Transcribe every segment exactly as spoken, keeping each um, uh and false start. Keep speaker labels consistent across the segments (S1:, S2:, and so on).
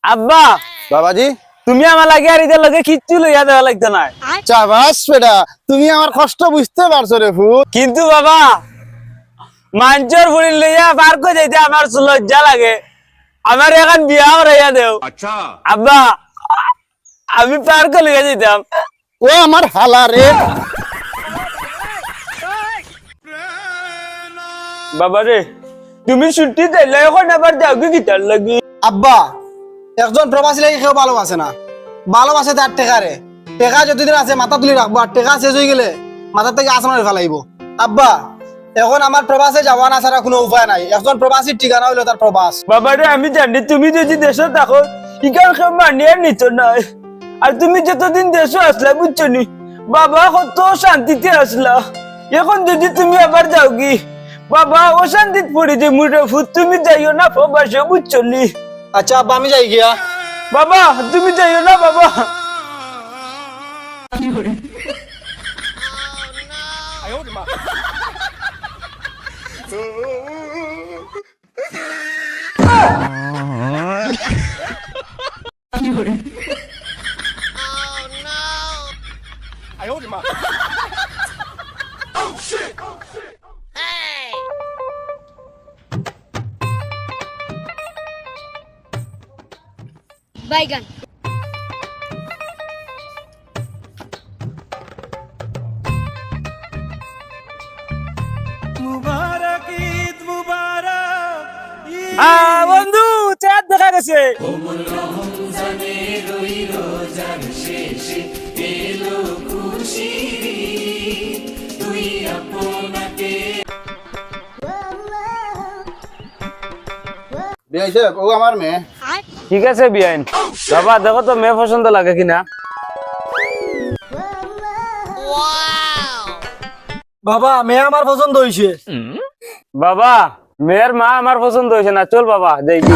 S1: আব্বা
S2: বাবাজি
S1: তুমি আমার লাগে আর ইদের লগে কিচ্ছু লইয়া দেওয়া লাগতো না।
S2: চাবাস বেটা, তুমি আমার কষ্ট বুঝতে পারছো রে ফুট।
S1: কিন্তু বাবা মাঞ্চর ফুড়ি লইয়া পার করে যাইতে আমার লজ্জা লাগে। আমার এখন বিয়া করাইয়া দেও।
S3: अच्छा
S1: আব্বা আমি পার করে লইয়া যাইতাম।
S2: ও আমার হালা রে।
S1: বাবা রে তুমি ছুটি দিলে এখন আবার যাও কি গিটার লাগি?
S4: আব্বা একজন প্রবাসী লাগে কেউ ভালোবাসে না, ভালোবাসে তার টেকারে। টেকা যতদিন আছে মাথা তুলি রাখবো, আর টেকা শেষ হয়ে গেলে মাথা থেকে আসমানে ফেলাইব। আব্বা এখন আমার প্রবাসে যাওয়া না ছাড়া কোনো উপায় নাই। একজন প্রবাসীর ঠিকানা হইলো তার প্রবাস।
S1: বাবা রে আমি জানি তুমি যদি দেশে থাকো ইকান কেউ মানিয়ে নিত নাই। আর তুমি যতদিন দেশে আসলা বুঝছো নি বাবা কত শান্তিতে আসলা। এখন যদি তুমি আবার যাও কি বাবা অশান্তিত পড়ে যে মুড়ে ফুট। তুমি যাইও না প্রবাসে বুঝছো নি।
S4: আচ্ছা আব্বা আমি যাই গিয়া।
S1: বাবা তুমি যাইও না বাবা।
S5: Baigan.
S1: আহ বন্ধু চাঁদ দেখা গেছে।
S2: বিয়াইছে ও আমার মেয়ে।
S1: ঠিক আছে বিয়াইন। বাবা দেখো তো মেয়ে পছন্দ লাগে কিনা।
S4: বাবা মেয়ে আমার পছন্দ হয়েছে।
S1: বাবা মেয়ের মা আমার পছন্দ হয়েছে না। চল বাবা দেখি।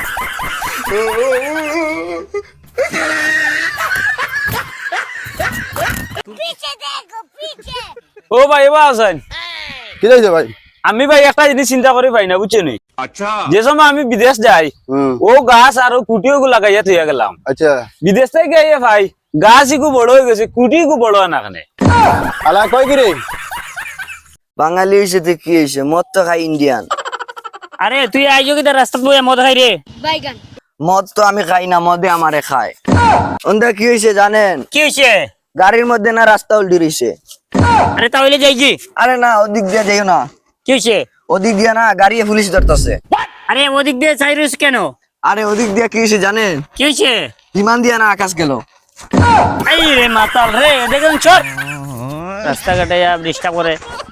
S5: Piche देखो piche.
S1: ও ভাই এবার আছেন।
S2: কি যাইছে ভাই?
S1: আমি ভাই একটা জিনিস চিন্তা করি পাই না বুঝছো নি।
S3: अच्छा
S1: যে সময় আমি বিদেশ যাই
S2: হুম
S1: ও গাছ আর কুটিও গু লাগাইয়া থইয়া গেলাম।
S2: আচ্ছা
S1: বিদেশ থেকে আইয়া ভাই গাছ ইকু বড় হয়ে গেছে কুটি ইকু বড় হয় না কেন?
S2: আলা কই কি রে?
S6: বাঙালি হইছে কি হইছে, মদ তো খাই ইন্ডিয়ান।
S7: আরে তুই আইজো কি রাস্তা বইয়া মদ খাই রে?
S5: Baigan.
S6: মদ তো আমি খাই না, মদে আমারে খায়। ওন্দা কি হইছে জানেন?
S7: কি হইছে?
S6: গাড়ির মধ্যে না রাস্তা উল্টি রইছে।
S7: আরে তাহলে যাই কি?
S6: আরে না ওদিক দিয়ে যাইও না,
S7: কি হইছে?
S6: ওদিক দিয়ে না গাড়ি পুলিশ ধরতেছে।
S7: আরে ওদিক দিয়ে চাইরুস কেন?
S6: আরে ওদিক দিয়ে কি হইছে জানেন?
S7: কি হইছে?
S6: বিমান দিয়ে না আকাশ গেল।
S7: এই রে মাতাল রে দেখুন চল রাস্তা কাটাইয়া ডিস্টার্ব করে।